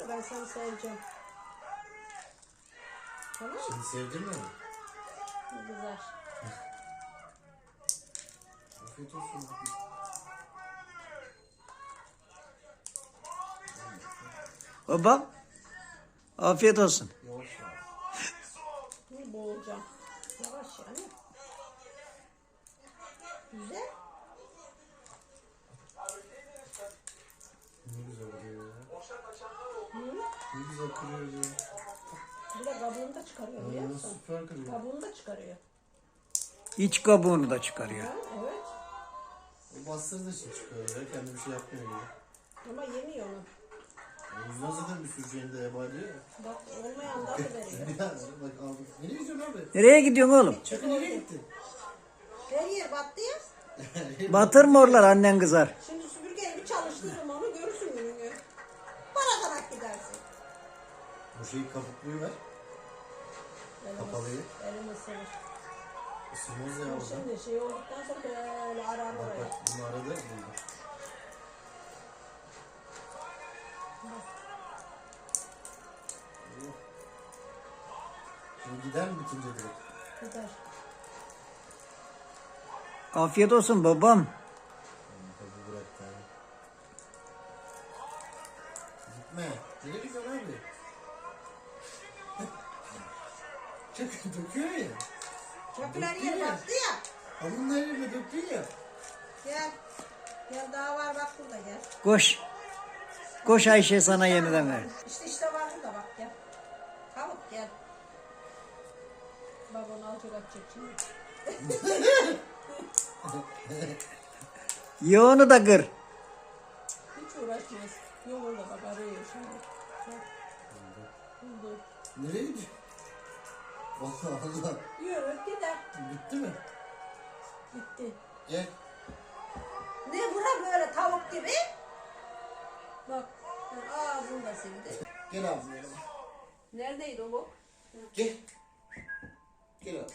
ben seni seveceğim. Tamam mı? Şimdi sevdin mi? Güzel. Afiyet olsun. Babam, afiyet olsun. Yavaş yavaş. Ne boğulacağım. Yavaş yani. Güzel. Ne güzel oluyor ya. Hı? Ne güzel kırıyor ya. Bir de kabuğunu da çıkarıyor biliyor musun? Süper kırıyor. Kabuğunu da çıkarıyor. İç kabuğunu da çıkarıyor. Ha, evet. O bastırdığı için çıkıyor ya. Kendi bir şey yapmıyor ya. Ama yemiyor onu. O yüzden zaten bir sürü şeyini de yabancı ya. Bak olmayan da veriyor. Bir daha bak aldım. Nereye gidiyorsun abi? Nereye gidiyorsun oğlum? Çakı nereye gitti? Her yer battı ya. Batırma oralar, annen kızar. Şimdi süpürgeyi bir çalıştırırım onu görürsün gününü. Paradarak gidersin. Bu şeyi kabukluyu ver. Kapalıyı. Elimi ısırır. Isırmaz ya orada. Şimdi şey olduktan sonra böyle arar Bak oraya. bak bunu aradı buldu. Şimdi gider mi bitince direkt? Gider. Afiyet olsun babam. Tabii bırak yani. Gitme. Nereye gidiyorsun abi? Çok döküyor ya. Çöpler yer battı ya. Hamurun her yerine döktün ya. Gel. Gel daha var bak burada gel. Koş. Koş Ayşe, sana yeniden ver. İşte var burada bak gel. Tavuk gel. Bak onu alacak atacak şimdi. Ye onu da kır. Hiç uğraşmaz. Yolunda bak arıyor şimdi. Bak. Buldu. Nereye gidiyor? Allah Allah. Yürü gider. Bitti mi? Gitti. Gel. Ne bura böyle tavuk gibi? Bak. Ağzını da sildi. Gel abi. Gel. Neredeydi o bu? Gel. Gel abi.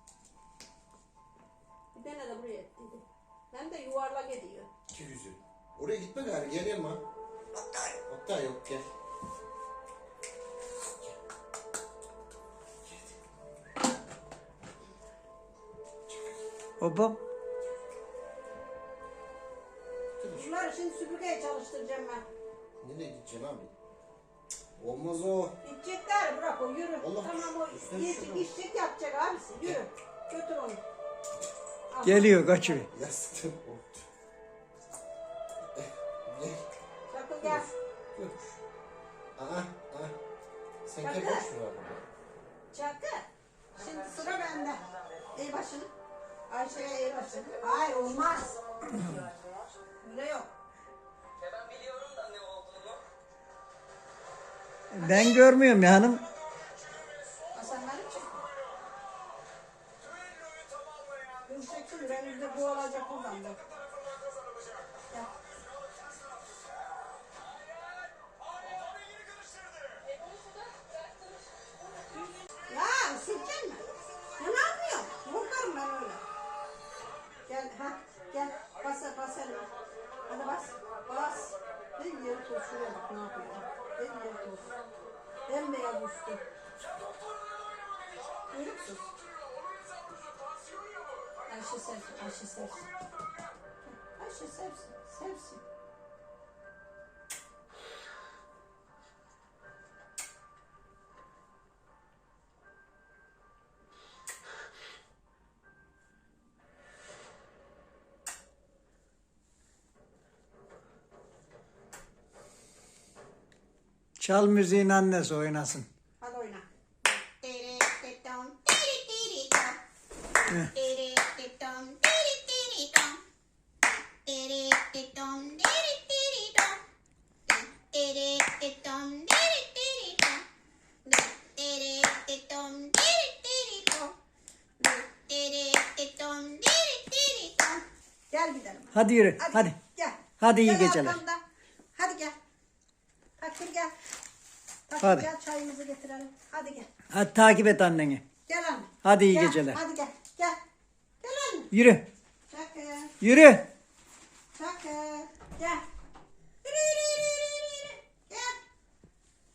Bir tane de buraya ettiydi. Hem de yuvarlak ediyor. Çok güzel. Oraya gitme gari. Gel yanıma. Hatta yok gel. Babam. Bunları şimdi süpürgeye çalıştıracağım ben. Nereye gideceksin abi? Olmaz o. Gidecekler bırak o yürü. Allah. Tamam o Üstüne yiyecek şunu. içecek yapacak abisi. Yürü. Götür onu. Al. Geliyor, kaçıyor. Yastım koptu. Gel. Çakıl gel. Dur. Aha. Sen gel Bakın. boş ver abi. Çakıl. Şimdi sıra bende. Eğ başını. Ayşe'ye eğ başını. Hayır olmaz. Öyle yok. Ben biliyorum da ne olduğunu. Ben görmüyorum ya hanım. Ha, sen beni çek. Dur çeksin. Benim de bu olacak buradan bak. Gel. Ya sileceksin mi? Ya ne yapıyorsun? Korkarım ben öyle. Gel ha gel bas elime. Hadi bas. Ben yeri toz şuraya bak ne yapıyor. Ben yeri toz. Bembeyaz üstü. Görüyor musun? Ayşe sevsin. Ayşe sevsin. Çal müziğin annesi oynasın. Hadi oyna. Gel gidelim. Hadi yürü, hadi. Gel. Hadi iyi Gel geceler. arkamda. Hadi gel. Takdir gel. Takdir Hadi. gel çayımızı getirelim. Hadi gel. Hadi takip et anneni. Gel anne. Hadi iyi Gel, geceler. Hadi gel. Gel. Gel anne. Yürü, Çakır. yürü. Çakır. Gel. Yürü. Gel.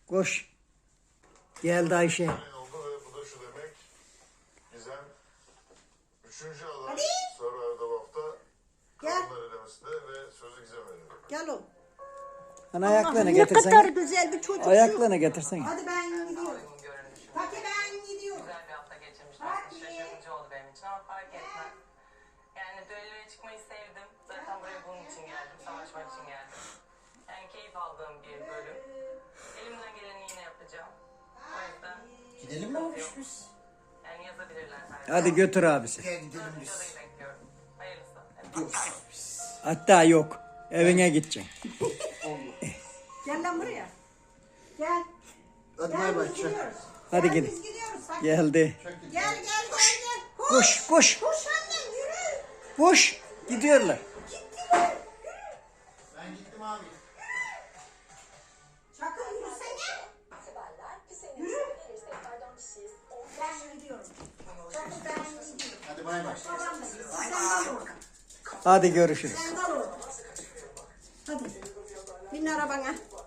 Koş. Geldi Ayşe. oldu ve bu da şu demek. Gizem 3. alan Hadi. Sarı Erdavaf'ta Gel. kadınlar elemesinde ve sözü Gizem veriyor. Gel oğlum. Hani ayaklarını Ne kadar getirsene. güzel bir çocuk. Ayaklarını getirsene. Hadi ben gidiyorum. Uygun görünüşüm. Hadi ben gidiyorum. Güzel bir hafta geçirmiştim. Hadi. Şaşırtıcı oldu benim için ama fark etmez. Yani düelloya çıkmayı sevdim. Zaten buraya bunun için geldim. Savaşmak için geldim. Yani keyif aldığım bir bölüm. Elimden geleni yine yapacağım. O yüzden Gidelim mi abi biz? yani yazabilirler her Hadi götür abisi. Gel gidelim biz. Videodayı bekliyorum. Hayırlısı. Dur. Hatta yok. Evine gideceksin. Gel lan buraya. Gel. Hadi Gel bay bay. biz Çak. gidiyoruz. Hadi Gel, gidin. biz gidiyoruz. Hadi. Geldi. Gel gel gel. Koş koş. Koş annem yürü. Koş. Gidiyorlar. Ben gittim abi. Çakıl yürüsene. Yürü. Ben gidiyorum. Çakıl ben gidiyorum. Hadi bay bay. Babam da gitsin. Sen kal orada. Hadi görüşürüz. Sen kal orada. Hadi. Bin arabana.